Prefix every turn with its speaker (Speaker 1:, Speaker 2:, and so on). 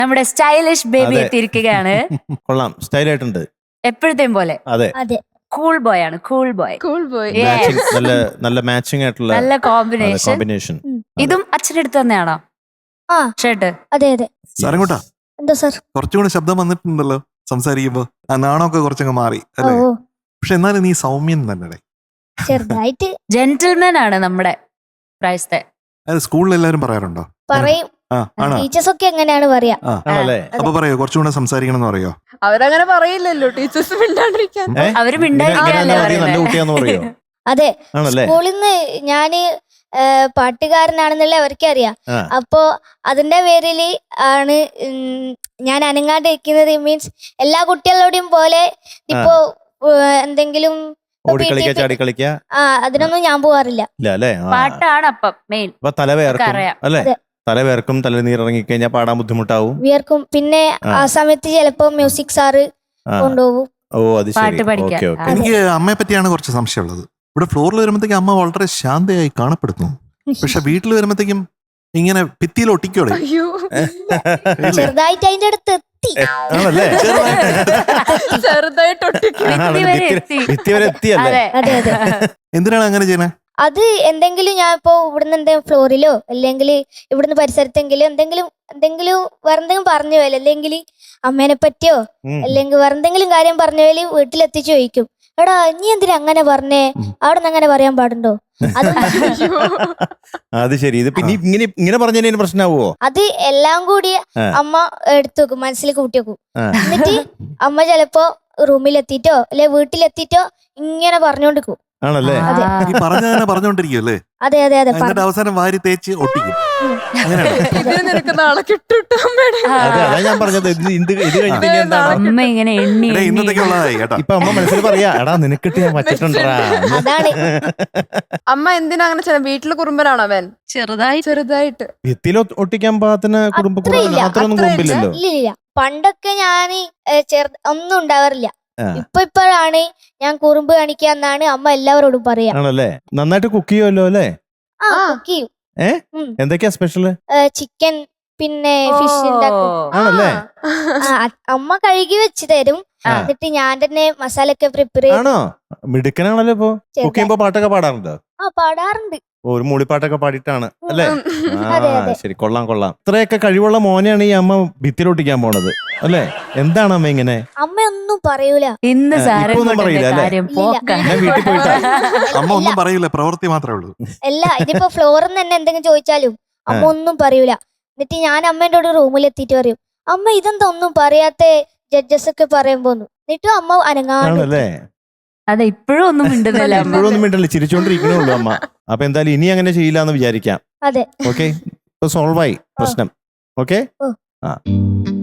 Speaker 1: നമ്മുടെ stylish baby
Speaker 2: അതെ.
Speaker 1: എത്തിയിരിക്കുകയാണ്.
Speaker 2: കൊള്ളാം, സ്റ്റൈലായിട്ടുണ്ട്.
Speaker 1: എപ്പോഴത്തെയും പോലെ
Speaker 2: അതെ,
Speaker 3: അതെ
Speaker 1: കൂൾ ബോയ് ആണ്. Cool boy,
Speaker 4: cool boy.
Speaker 1: Yes.
Speaker 2: Matching, നല്ല മാച്ചിങ് ആയിട്ടുള്ള
Speaker 1: നല്ല കോമ്പിനേഷൻ.
Speaker 2: കോമ്പിനേഷൻ.
Speaker 1: ഇതും അച്ഛൻ്റെ അടുത്ത് തന്നെയാണോ
Speaker 3: ആ
Speaker 1: ഷർട്ട്?
Speaker 3: അതെ അതെ.
Speaker 5: സാരംകൂട്ടാ,
Speaker 3: എന്താ സാർ?
Speaker 5: കുറച്ചുകൂടെ ശബ്ദം വന്നിട്ടുണ്ടല്ലോ സംസാരിക്കുമ്പോ. ആ നാണമൊക്കെ കുറച്ചങ്ങ് മാറി
Speaker 3: ഓ
Speaker 5: അല്ലേ?
Speaker 3: ഓ,
Speaker 5: പക്ഷെ എന്നാലും നീ സൗമ്യൻ തന്നെ.
Speaker 3: ചെറുതായിട്ട്
Speaker 1: ജെന്റിൽമാൻ ആണ് നമ്മുടെ പ്രായത്തെ.
Speaker 5: അത് സ്കൂളിൽ എല്ലാരും പറയാറുണ്ടോ?
Speaker 3: പറയും.
Speaker 5: ആ ആണോ?
Speaker 3: ടീച്ചേഴ്സ് ഒക്കെ എങ്ങനെയാണ് പറയാ.
Speaker 5: ആ
Speaker 2: ആണല്ലേ?
Speaker 5: അപ്പൊ പറയോ കുറച്ചുകൂടെ സംസാരിക്കണം എന്ന് പറയോ?
Speaker 4: അവരങ്ങനെ പറയില്ലല്ലോ ടീച്ചേഴ്സ് മിണ്ടാണ്ടിരിക്കാൻ.
Speaker 1: അവര് മിണ്ടായിരിക്കാനല്ലേ
Speaker 2: നല്ല
Speaker 1: പറയുന്നത്.
Speaker 2: കുട്ടിയാന്ന് പറയോ?
Speaker 3: അതെ,
Speaker 2: ആണല്ലേ?
Speaker 3: സ്കൂളിൽ നിന്ന് ഞാന് പാട്ടുകാരനാണെന്നുള്ള അവർക്കറിയാം.
Speaker 2: ആ.
Speaker 3: അപ്പോ അതിന്റെ പേരില് ആണ് ഞാൻ അനങ്ങാണ്ടിരിക്കുന്നത്. മീൻസ് എല്ലാ കുട്ടികളോടും പോലെ ഇപ്പോ എന്തെങ്കിലും
Speaker 2: ഓടിക്കളിക്ക, ചാടിക്കളിക്ക,
Speaker 3: അതിനൊന്നും ഞാൻ പോവാറില്ല.
Speaker 2: ഇല്ല അല്ലേ?
Speaker 1: പാട്ടാണ് അപ്പം മെയിൻ.
Speaker 2: അപ്പൊ തലവേർക്കും
Speaker 1: അറിയാം.
Speaker 2: അല്ലേ?
Speaker 3: അതെ.
Speaker 2: തലവേർക്കും, തലനീരിറങ്ങി കഴിഞ്ഞാൽ പാടാൻ ബുദ്ധിമുട്ടാവും.
Speaker 3: വിയർക്കും. പിന്നെ ആ സമയത്ത് ചിലപ്പോ മ്യൂസിക് സാറ്
Speaker 2: ആ.
Speaker 3: കൊണ്ടുപോകും.
Speaker 2: ഓ അത് ശരി.
Speaker 1: പാട്ട് പഠിക്കാൻ.
Speaker 2: Okay okay.
Speaker 5: എനിക്ക് അമ്മയെ പറ്റിയാണ് കുറച്ച് സംശയമുള്ളത്. ഇവിടെ ഫ്ലോറിൽ വരുമ്പോഴത്തേക്കും അമ്മ വളരെ ശാന്തയായി കാണപ്പെടുന്നു. പക്ഷെ വീട്ടിൽ വരുമ്പോഴത്തേക്കും ഇങ്ങനെ ഭിത്തിയിൽ ഒട്ടിക്കോടെ.
Speaker 4: അയ്യോ,
Speaker 3: ചെറുതായിട്ട് അതിന്റെ അടുത്ത് എത്തി.
Speaker 2: ആണല്ലേ?
Speaker 4: ചെറുതായിട്ട് ഒട്ടിക്കും.
Speaker 1: ഭിത്തി വരെ എത്തി.
Speaker 2: ഭിത്തി വരെ എത്തിയല്ലേ?
Speaker 1: അതെ
Speaker 3: അതെ അതെ.
Speaker 5: എന്തിനാണ് അങ്ങനെ ചെയ്യണേ?
Speaker 3: അത് എന്തെങ്കിലും ഞാൻ ഇപ്പോ ഇവിടുന്ന് എന്തെങ്കിലും ഫ്ലോറിലോ അല്ലെങ്കിൽ ഇവിടുന്ന് പരിസരത്തെങ്കിലും എന്തെങ്കിലും വേറെന്തെങ്കിലും പറഞ്ഞു പോയാലും അല്ലെങ്കിൽ അമ്മേനെ പറ്റിയോ അല്ലെങ്കിൽ വേറെന്തെങ്കിലും കാര്യം പറഞ്ഞു പോയാലും വീട്ടിലെത്തിച്ച് ചോദിക്കും, എടാ നീ എന്തിനാ അങ്ങനെ പറഞ്ഞേ, അവിടെ നിന്ന് അങ്ങനെ പറയാൻ പാടുണ്ടോ? അത്
Speaker 2: അത് ശരി. ഇത് പിന്നെ ഇങ്ങനെ പറഞ്ഞതിന് പ്രശ്നമാവോ?
Speaker 3: അത് എല്ലാം കൂടി
Speaker 2: ആ.
Speaker 3: അമ്മ എടുത്തു വെക്കും, മനസ്സിൽ കൂട്ടി വെക്കും.
Speaker 2: ആ.
Speaker 3: എന്നിട്ട് അമ്മ ചിലപ്പോ റൂമിലെത്തിയിട്ടോ അല്ലെ വീട്ടിലെത്തിയിട്ടോ ഇങ്ങനെ പറഞ്ഞോണ്ടിരിക്കും.
Speaker 2: ആണല്ലേ?
Speaker 3: അതെ.
Speaker 5: ഈ പറഞ്ഞ തന്നെ പറഞ്ഞോണ്ടിരിക്കും അല്ലേ?
Speaker 3: അതെ അതെ അതെ.
Speaker 5: എന്നിട്ട് അവസാനം വാരി തേച്ച് ഒട്ടിക്കും. അങ്ങനെയാണ്.
Speaker 4: ഇതിന് നിനക്ക് നാളെ കിട്ടുട്ടോ അമ്മയുടെ.
Speaker 2: അതെ, അതാ ഞാൻ പറഞ്ഞത്. ഇത് കഴിഞ്ഞിട്ട് ഇനി എന്താണ്?
Speaker 1: അമ്മ ഇങ്ങനെ എണ്ണി
Speaker 5: എടേ,
Speaker 1: എണ്ണി
Speaker 5: ഇന്നത്തേക്ക് ഉള്ളതായി കേട്ടോ.
Speaker 2: ഇപ്പൊ അമ്മ മനസ്സിൽ പറയാ, എടാ നിനക്കിട്ട് ഞാൻ വച്ചിട്ടുണ്ടാ.
Speaker 3: അതാണ്.
Speaker 4: അമ്മ എന്തിനാ അങ്ങനെ ചെയ്യണം? വീട്ടില് കുറുമ്പനാണോ അവൻ? ചെറുതായിട്ട്.
Speaker 2: ഭിത്തിയിൽ ഒട്ടിക്കാൻ പാകത്തിന്
Speaker 3: അത്രയില്ല,
Speaker 2: അത്രയൊന്നും കുമ്പില്ലല്ലോ.
Speaker 3: ഇല്ലില്ല. പണ്ടൊക്കെ ഞാൻ ഒന്നും ഉണ്ടാവാറില്ല.
Speaker 2: ആ.
Speaker 3: ഇപ്പോഴാണ് ഞാൻ കുറുമ്പ് കാണിക്കാന്നാണ് അമ്മ എല്ലാവരോടും പറയാ.
Speaker 2: ആണല്ലേ? നന്നായിട്ട് കുക്ക് ചെയ്യുമല്ലോ അല്ലേ?
Speaker 3: ആ
Speaker 4: ആ.
Speaker 3: കുക്ക് ചെയ്യും.
Speaker 2: എന്തൊക്കെയാ സ്പെഷ്യല്?
Speaker 3: ചിക്കൻ പിന്നെ ഫിഷ് ഉണ്ടാക്കും.
Speaker 2: ആണല്ലേ?
Speaker 3: അമ്മ കഴുകി വെച്ച് തരും.
Speaker 2: ആ.
Speaker 3: എന്നിട്ട് ഞാൻ തന്നെ മസാല ഒക്കെ പ്രിപ്പയർ ചെയ്യും.
Speaker 2: ആണോ? മിടുക്കനാണല്ലോ ഇപ്പൊ. കുക്ക് ചെയ്യുമ്പോ പാട്ടൊക്കെ പാടാറുണ്ടോ?
Speaker 3: ആ പാടാറുണ്ട്.
Speaker 2: ഒരു മൂളിപ്പാട്ടൊക്കെ പാടിയിട്ടാണ് അല്ലേ?
Speaker 3: അതെ,
Speaker 2: ആ
Speaker 3: അതെ.
Speaker 2: ശരി, കൊള്ളാം കൊള്ളാം. ഇത്രയൊക്കെ കഴിവുള്ള മോനെയാണ് ഈ അമ്മ ഭിത്തിയിലൊട്ടിക്കാൻ പോണത് അല്ലേ? എന്താണ് അമ്മ ഇങ്ങനെ?
Speaker 3: അമ്മ ഒന്നും പറയൂല.
Speaker 1: ഇന്ന് സാരം
Speaker 2: ഇപ്പൊ ഒന്നും പറയില്ല അല്ലേ?
Speaker 1: കാര്യം
Speaker 3: ഇല്ല.
Speaker 1: പോക്കാണ്.
Speaker 2: ഞാൻ വീട്ടിൽ പോയിട്ടാ.
Speaker 5: അമ്മ ഒന്നും പറയില്ല, പ്രവൃത്തി മാത്രമേ ഉള്ളൂ.
Speaker 3: അല്ല, ഇതിപ്പോ ഫ്ലോറിൽ തന്നെ എന്തെങ്കിലും ചോദിച്ചാലും അമ്മ ഒന്നും പറയൂല. എന്നിട്ട് ഞാൻ അമ്മേന്റെ കൂടെ റൂമിലെത്തിയിട്ട് പറയും, അമ്മ ഇതെന്താ ഒന്നും പറയാത്ത ജഡ്ജസ് ഒക്കെ പറയുമ്പോന്നു. എന്നിട്ടും അമ്മ അനങ്ങാണ്ട്.
Speaker 2: ആണല്ലേ?
Speaker 1: അതെ, ഇപ്പോഴും ഒന്നും മിണ്ടുന്നില്ല അമ്മ.
Speaker 2: ഇപ്പോഴൊന്നും മിണ്ടല്ലേ, ചിരിച്ചോണ്ടിരിക്കണേ ഉള്ളൂ അമ്മ. അപ്പൊ എന്തായാലും ഇനി അങ്ങനെ ചെയ്യില്ല എന്ന് വിചാരിക്കാം.
Speaker 3: അതെ.
Speaker 2: ഓക്കെ, ഇപ്പൊ സോൾവ് ആയി പ്രശ്നം. ഓക്കെ.
Speaker 3: ഓ.
Speaker 2: ആ